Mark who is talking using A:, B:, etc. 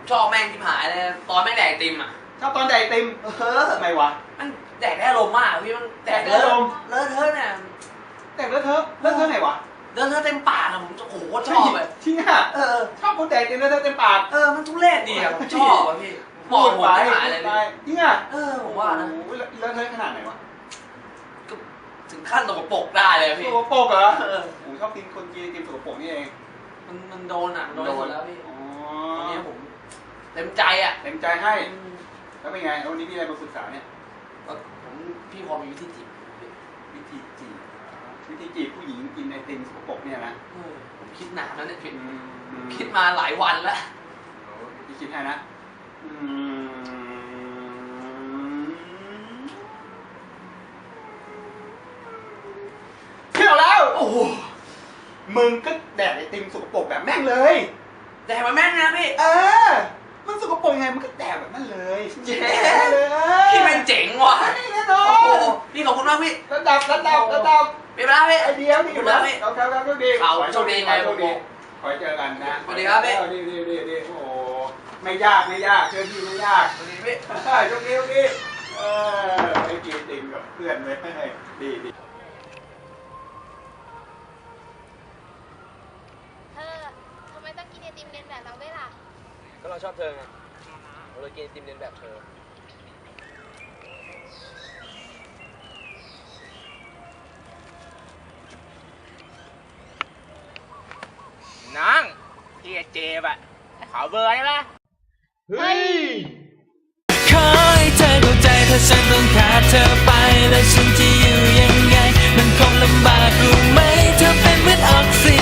A: ชอบแม่งที่หายเลยตอนแม่งแดกไอติมอ่ะ
B: ชอบตอนแดกไอติมทำไมวะ
A: มันแดกได้อารมณ์มากพี่มันแดก
B: แดกได้อารมณ์
A: เลอะเทอะเนี่ย
B: แดกเลอะเทอะไงวะ
A: เลอะเทอะเต็มปากอะผมโอ้โหชอบเลย
B: จริงอ่ะชอบคนแดกไอติมเลอะเทอะเต็มปาก
A: มันทุเรศดีอะผมชอบอะพี่เหมาะผมที่หายเลย
B: จริงอ่ะ
A: ผมว่านะ
B: โอ้โหเลอะเทอะขนาดไหนวะ
A: ก็ถึงขั้นตกปรกได้เลยพี่
B: สกปรกเหรอโอ้ชอบกินคนกินไอติมสกปรกนี่เอง
A: มันโดนอ่ะมันโดนที่สุดแล้วพี่
B: อ๋อ
A: ตอนนี้ผมเต็มใจอ่ะ
B: เต็มใจให้แล้วเป็นไงวันนี้มีอะไรมาปรึกษาเนี่ย
A: ผมพี่พอมีวิธีจีบ
B: วิธีจีบผู้หญิงกินไอติมสกปรกเนี่ยนะ
A: ผมคิดนานแล้วเนี่ยพี่
B: อืม
A: คิดมาหลายวันแล้ว
B: พี่คิดให้นะเที่ยวแล้ว
A: โอ้โห
B: มึงก็แดกไอติมสกปรกแบบแม่งเลย
A: แดกมาแม่งนะพี่
B: มันสกปรกยังไงมันก็แดกแบบนั้นเลย
A: เย้
B: เลย
A: พี่เป็นเจ๋งว่ะ
B: แน่นอ
A: โอ้โห
B: น
A: พี่ขอบคุณมากพี่
B: ระดับ
A: มีเวลาพี่
B: ไอเดียนี่
A: ขอบคุณมากพี่
B: เราครับโชคดี
A: เอาโชคดีไง
B: โชคดีขอให้เจอกันนะ
A: สวัสดีครับพี่
B: ดีโอ้ไม่ยากเชื่อพี่ไม่ยาก
A: สวัสดีพี่
B: โชคดีไอกินไอติมกับเพื่อนเลยดี
C: ทำไมต้องกินไอติมเลียนแบบเราด้วยล่ะ
D: ก็เราชอบเธอไงเราเลยกินไอติมเลียนแบบเธอ
E: น้องพี่เจบอะขอเบอร์ได้ปะ
B: เฮ้ย
F: ขอให้เธอเข้าใจถ้าฉันต้องขาดเธอไปแล้วฉันจะอยู่ยังไง มันคงลำบากรู้ไหมเธอเป็นเหมือนออกซิ